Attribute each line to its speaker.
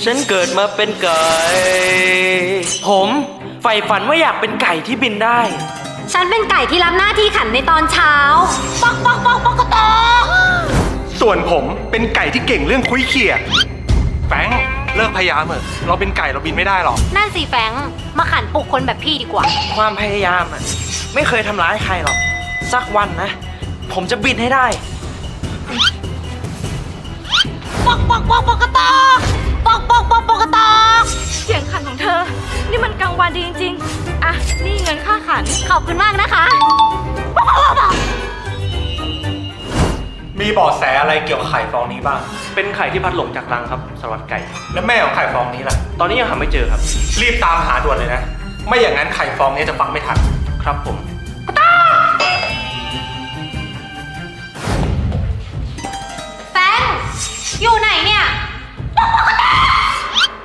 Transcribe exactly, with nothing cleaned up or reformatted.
Speaker 1: ฉันเกิดมาเป็นไก่ ผมใฝ่ฝันว่าอยากเป็นไก่ที่บินได้
Speaker 2: ฉันเป็นไก่ที่รับหน้าที่ขันในตอนเช้าปอกปอกปอกปอกกระตอก
Speaker 3: ส่วนผมเป็นไก่ที่เก่งเรื่องคุยเขี่ยแฟรงค์เลิกพยายามเถอะเราเป็นไก่เราบินไม่ได้หรอก
Speaker 2: นั่นสิแฟงมาขันปลุกคนแบบพี่ดีกว่า
Speaker 1: ความพยายามอ่ะไม่เคยทำร้ายใครหรอก สักวันนะ ผมจะบินให้ได้
Speaker 2: ปอกปอกปอกปอกกระตอกปอกปอกปอกปอกกระตอก
Speaker 4: เสียงขันของเธอ นี่มันกลางวันดีจริงๆ อ่ะ นี่เงินค่าขัน
Speaker 2: ขอบคุณมากนะคะ
Speaker 3: มีเบาะแสอะไรเกี่ยวกับไข่ฟองนี้บ้าง
Speaker 1: เป็นไข่ที่พัดหลงจากรังครับสารวัตรไก่
Speaker 3: แล้วแม่ของไข่ฟองนี้ล่ะ
Speaker 1: ตอนนี้ยังหาไม่เจอครับ
Speaker 3: รีบตามหาด่วนเลยนะ ไม่อย่างนั้นไข่ฟองนี้จะฟังไม่ทัน
Speaker 1: ครับผม
Speaker 2: แฟงอยู่ไหนเนี่ยปอกปอกกระต